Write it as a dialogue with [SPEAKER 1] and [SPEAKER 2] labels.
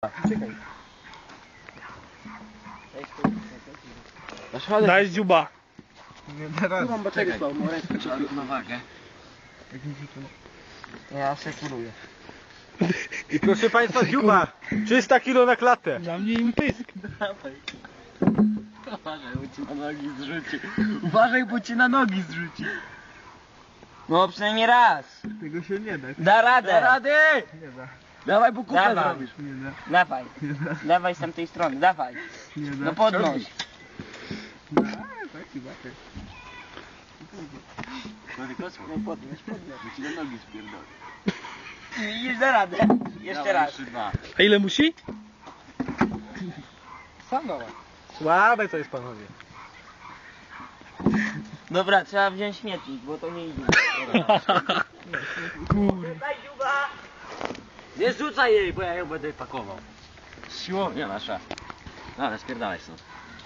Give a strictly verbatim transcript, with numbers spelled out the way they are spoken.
[SPEAKER 1] Czekaj. Daj dziuba.
[SPEAKER 2] Nie, teraz.
[SPEAKER 1] Tu mam baterię słabą, rękę
[SPEAKER 2] Na wagę.
[SPEAKER 1] Ja sekuruję.
[SPEAKER 2] I proszę Państwa, dziuba! trzysta kilo na klatę.
[SPEAKER 1] Dla mnie im pysk.
[SPEAKER 2] Dawaj. Uważaj, bo ci na nogi zrzuci. Uważaj, bo ci na nogi zrzuci.
[SPEAKER 3] No przynajmniej raz.
[SPEAKER 2] Tego się nie da.
[SPEAKER 3] Da radę.
[SPEAKER 2] Da rady!
[SPEAKER 1] Nie da.
[SPEAKER 2] Dawaj, bo kupę
[SPEAKER 3] Dawaj.
[SPEAKER 2] zrobisz.
[SPEAKER 1] Nie da.
[SPEAKER 3] Dawaj.
[SPEAKER 1] Nie da.
[SPEAKER 3] Dawaj z tamtej strony, dawaj.
[SPEAKER 1] Nie da.
[SPEAKER 3] No podnoś.
[SPEAKER 1] Da, taki bater.
[SPEAKER 2] Tylko spróbuj podnieś, podnieś. Bo ci na nogi spierdolę.
[SPEAKER 3] Widzisz, da radę. Jeszcze
[SPEAKER 2] Dawaj,
[SPEAKER 3] raz.
[SPEAKER 2] Jeszcze dwa.
[SPEAKER 1] A ile musi?
[SPEAKER 2] Sam dawaj.
[SPEAKER 1] Słabe to jest, panowie.
[SPEAKER 3] Dobra, trzeba wziąć śmietnik, bo to nie idzie.
[SPEAKER 1] Kurde.
[SPEAKER 3] Daj dziuba.
[SPEAKER 2] Nie zrzucaj jej, bo ja ją będę pakował. Siłownia nasza. No, ale spierdalaj stąd.